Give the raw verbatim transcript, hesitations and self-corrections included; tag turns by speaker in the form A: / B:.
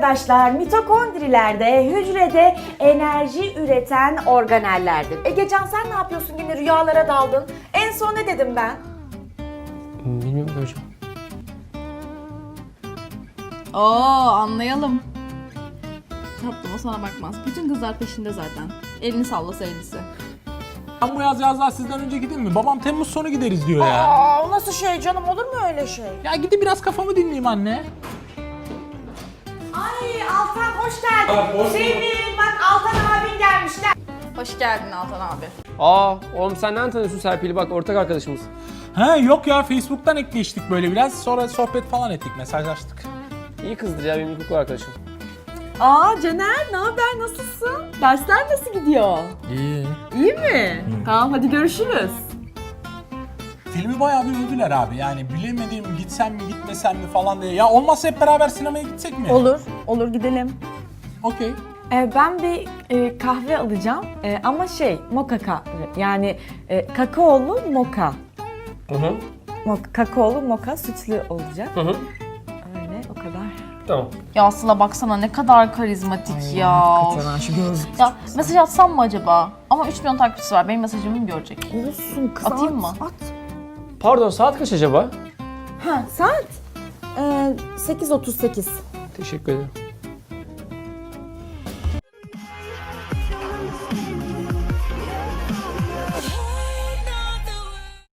A: arkadaşlar mitokondrilerde hücrede enerji üreten organellerdir. Egecan sen ne yapıyorsun, yine rüyalara daldın? En son ne dedim ben?
B: Bilmiyorum ki hocam.
C: Oo, anlayalım. Tatlım o sana bakmaz. Bütün kızlar peşinde zaten. Elini sallasa elisi.
D: Ben bu yaz yazlar sizden önce gideyim mi? Babam Temmuz sonu gideriz diyor ya.
A: Aa, o nasıl şey canım, olur mu öyle şey?
D: Ya gidip biraz kafamı dinleyeyim anne.
A: Ay Altan hoş geldin. Sevim bak, Altan abin gelmişler.
C: Hoş geldin Altan abi.
B: Aa oğlum sen nereden tanıyorsun Serpil'i, bak ortak arkadaşımız.
D: Ha yok ya, Facebook'tan ekleştik böyle biraz. Sonra sohbet falan ettik, mesajlaştık.
B: İyi kızdır ya, benim ilkokul arkadaşım.
C: Aa Caner, ne haber, nasılsın? Dersler nasıl gidiyor?
D: İyi.
C: İyi mi? Tamam hadi görüşürüz.
D: Filmi bayağı bir övdüler abi, yani bilemedim gitsem mi gitmesem mi falan diye. Ya olmazsa hep beraber sinemaya gitsek mi?
A: Olur, olur gidelim.
D: Okey.
A: Ee, ben bir e, kahve alacağım Ee, ama şey moka kahve, yani e, kakaolu moka.
B: Hı hı.
A: Moka, kakaolu moka sütlü olacak.
B: Hı hı.
A: Öyle, o kadar.
B: Tamam.
C: Ya Sıla baksana ne kadar karizmatik ya.
A: Şu gözlük.
C: Ya mesaj atsam mı acaba? Ama üç milyon takipçisi var. Benim mesajımı mı görecek?
A: Olsun kız.
C: Atayım
A: at,
C: mı?
A: At.
B: Pardon, saat kaç acaba?
A: Ha saat? Ee, sekiz otuz sekiz.
B: Teşekkür ederim.